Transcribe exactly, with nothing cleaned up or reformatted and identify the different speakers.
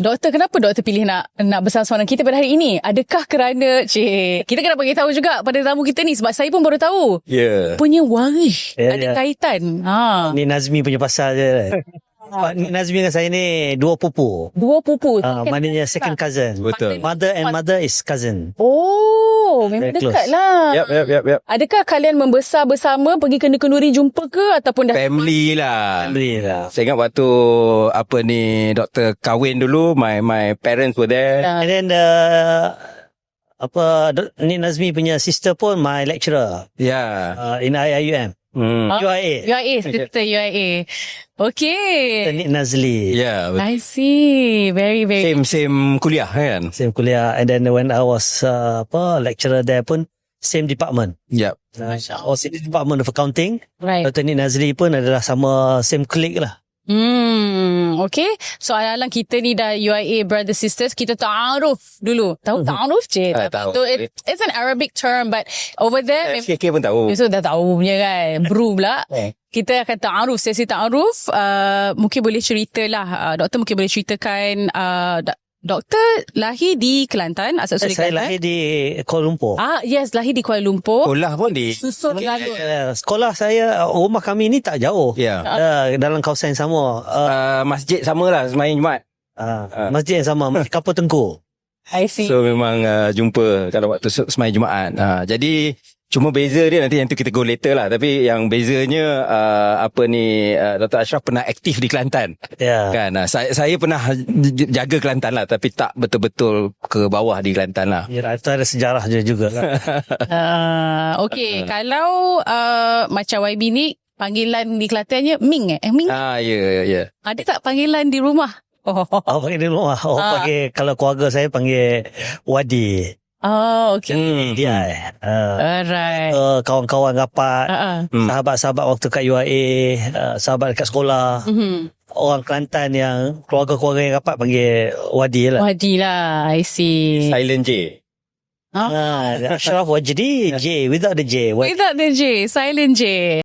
Speaker 1: Doktor, kenapa doktor pilih nak nak bersama-sama dengan kita pada hari ini? Adakah kerana, cik, kita kena bagi tahu juga pada tamu kita ni, sebab saya pun baru tahu.
Speaker 2: Ya. Yeah.
Speaker 1: Punya waris
Speaker 3: Ya,
Speaker 1: ada
Speaker 3: ya.
Speaker 1: kaitan. Ha.
Speaker 3: Ni Nazmi punya pasal je. Pak ni Nazmi dengan saya ni dua pupu.
Speaker 1: Dua pupu.
Speaker 3: Ah,
Speaker 1: Kan-
Speaker 3: maknanya second cousin.
Speaker 2: Betul.
Speaker 3: Mother and mother is cousin.
Speaker 1: Oh, memang
Speaker 3: Very
Speaker 1: dekat
Speaker 3: close.
Speaker 1: lah.
Speaker 2: Yap, yap, yap, yap.
Speaker 1: Adakah kalian membesar bersama, pergi kenduri-kenduri jumpa ke, ataupun dah
Speaker 2: Family lah.
Speaker 3: Family lah.
Speaker 2: Saya ingat waktu apa ni doktor kahwin dulu, my my parents were there.
Speaker 1: dah-
Speaker 3: And then the apa do- ni Nazmi punya sister pun my lecturer
Speaker 2: Ya.
Speaker 3: uh, in I I U M.
Speaker 2: Hmm.
Speaker 3: U I A.
Speaker 1: U I A, sister U I A. Okay.
Speaker 3: Ni Nazli.
Speaker 2: Ya. betul.
Speaker 1: I see. Very, very.
Speaker 2: Same same kuliah kan.
Speaker 3: Same kuliah. And then when I was uh, apa lecturer there pun same department.
Speaker 2: Yep.
Speaker 3: Uh, I was in the department of accounting.
Speaker 1: Right.
Speaker 3: Doktor Ni Nazli pun adalah sama same colleague lah.
Speaker 1: Hmm, okay. So, alang kita ni dah U I A brother sisters, kita ta'aruf dulu. Tahu ta'aruf je?
Speaker 2: Ah, tahu.
Speaker 1: So, it, it's an Arabic term, but over there,
Speaker 2: K K pun tahu.
Speaker 1: so dah tahu punya kan. Bro pula.
Speaker 2: Eh.
Speaker 1: Kita akan ta'aruf, sesi ta'aruf. Uh, mungkin boleh ceritalah, uh, doktor mungkin boleh ceritakan, uh, do- doktor lahir di Kelantan, asal-usul di
Speaker 3: Saya
Speaker 1: Kelantan.
Speaker 3: lahir di Kuala Lumpur.
Speaker 1: Ah, yes, lahir di Kuala Lumpur.
Speaker 2: Sekolah pun di.
Speaker 1: Susun Galuh.
Speaker 3: Uh, sekolah saya, uh, rumah kami ni tak jauh.
Speaker 2: Ya.
Speaker 3: Uh, dalam kawasan yang sama. Uh,
Speaker 2: Uh, masjid sama lah semain Jumaat.
Speaker 3: uh, masjid yang sama. Masjid Kapal Tengku.
Speaker 1: I see.
Speaker 2: So memang uh, jumpa kalau waktu se- semain Jumaat. Uh, jadi cuma beza dia nanti yang tu kita go later lah. Tapi yang bezanya uh, apa ni uh, Doktor Ashraf pernah aktif di Kelantan.
Speaker 3: Ya.
Speaker 2: Kan uh, saya saya pernah j- jaga Kelantan lah, tapi tak betul-betul ke bawah di Kelantan lah.
Speaker 3: Ya, itu ada sejarah dia juga lah.
Speaker 1: Uh, okay, kalau uh, macam Y B ni, panggilan di Kelantannya Ming eh? eh Ming?
Speaker 2: Ah ya ya ya.
Speaker 1: Ada tak panggilan di rumah? Oh,
Speaker 3: Oh, panggil di rumah. Oh,
Speaker 1: Ah.
Speaker 3: panggil, kalau keluarga saya panggil Wadi.
Speaker 1: oh okay.
Speaker 2: Hmm.
Speaker 3: Dia eh. Uh,
Speaker 1: Alright.
Speaker 3: uh, kawan-kawan rapat.
Speaker 1: Uh-uh.
Speaker 2: Hmm.
Speaker 3: Sahabat-sahabat waktu kat U I A. Uh, sahabat dekat sekolah.
Speaker 1: Mm-hmm.
Speaker 3: Orang Kelantan yang keluarga-keluarga yang rapat panggil Wadi lah.
Speaker 1: Wadi lah, I see.
Speaker 2: Silent J.
Speaker 3: Ah, Ashraf Wajdi. J. Without the J. Wadi.
Speaker 1: Without the J, silent J.